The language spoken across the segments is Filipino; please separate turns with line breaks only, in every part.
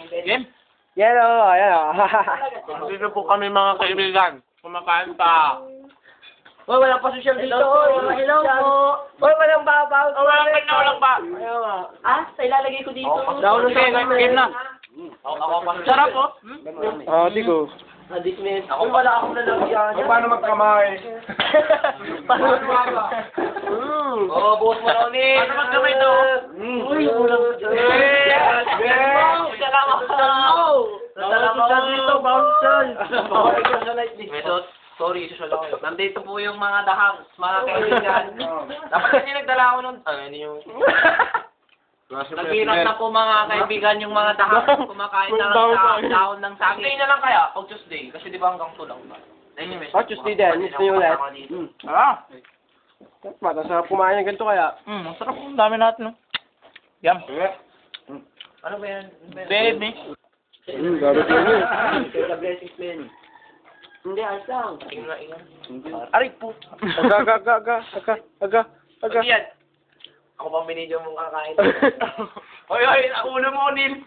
Game?
Yellow, ayan.
Dito po kami mga kaibigan. Kumakain pa.
Oy, walang pa social dito. Hello po. Oy, walang babaw.
Oh, walang pa.
Ayaw nga.
Ah, sa ilalagay ko dito.
Down
Okay, game na. Sarap po.
Oh, di ko.
Dismiss. Ako pala ako na lang yan.
Paano magkamay?
Paano
Oh, buhos mo na ulit.
Paano magkamay to?
Uy, ulang. Salamat. Salamat dito, bouncer. Sorry, social ako. Nandito po yung mga dahangs, mga kaibigan. Dapat kasi nagdala ako nun. Hindi yung... Naghirat na po mga kaibigan yung mga dahangs. Kumakain na lang sa dahon ng saging. Tuesday na lang kaya, pag Tuesday. Kasi di ba hanggang 2 lang ba? Anyway.
Oh, Tuesday din. Tuesday ulit.
Ah.
Mata sa kumain ng ganito kaya.
Masarap. Ang dami natin, no? Yum.
Ano ba yan?
Baby.
Gabi din.
Hindi, ayos lang.
Aray po.
Aga.
Yan. Ako pang binidyo mong kakain.
Hoy, ulo mo, Nil.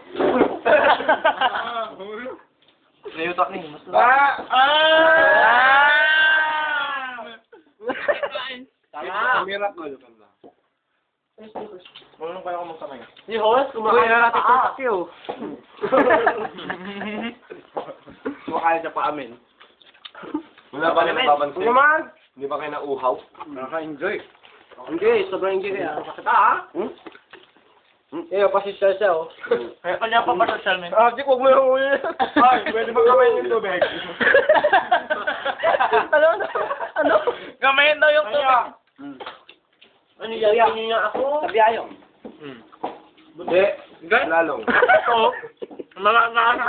Nayutak ni. Mas
Miracle.
Marunong kaya ako magkamay.
Si Horace, kumakain na natin kung takyo.
Kumakain siya pa amin. Wala ba kayo napapansin?
Naman.
Hindi ba kayo nauuhaw?
Nakaka-enjoy. Hindi, sobrang enjoy kaya. Eh, pasisya siya, oh.
Kaya kanya pa ba social media?
Ah, di ko mo yung uli.
Ay, pwede ba kamay yung tubig?
Ano?
Gamayin daw yung tubig.
Ano yan? Hindi nga ako.
Sabi ayaw.
Hindi. Lalong.
Oo. Mga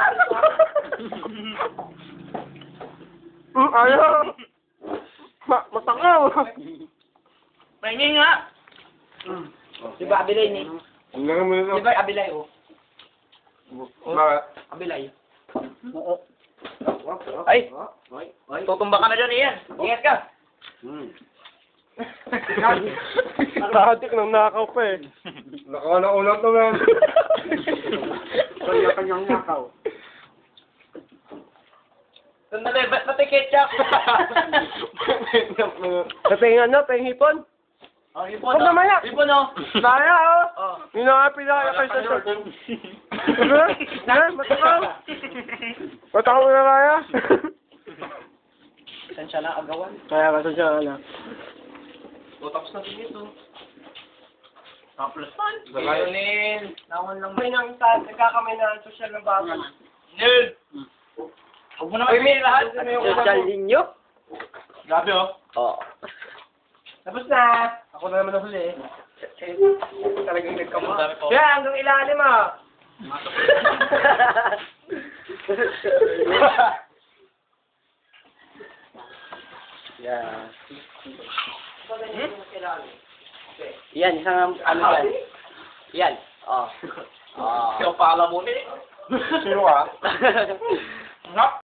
Ayaw. Matangaw.
Pahingi nga.
Di ba Abilay ni?
Ang lang mo
Di
nito.
ba Abilay oh?
Bakit?
Abilay.
Ay. Tutumba ka na dyan, Ian. Ingat ka.
Tatik nang nakaw pa eh.
Nakauna to, man.
Kanya-kanyang nakaw.
Sandali, ba't pati ketchup?
Sa ano, hipon?
Oh, ipon,
Huwag naman yan.
Ipon, oh.
Naya, oh.
Oh.
Hinahapin na kaya kayo sa short. Matakaw. Matakaw na kaya.
Saan siya na agawan?
Kaya kasi siya, ano.
O tapos na din ito.
Plus
Nil. Naman lang.
May nang nagkakamay na social ng bago.
Nil! Huwag mo naman sabihin lahat.
Social ninyo?
Grabe, oh.
Oo.
Tapos na.
Ako na naman ang huli eh. Talagang
Ang
nagkama.
dami po.
Kaya hanggang ilalim ah. Yeah. Yan, isang ano yan. Yan. Oh.
Ikaw pa alam mo, eh.
Sino ka?
Nga.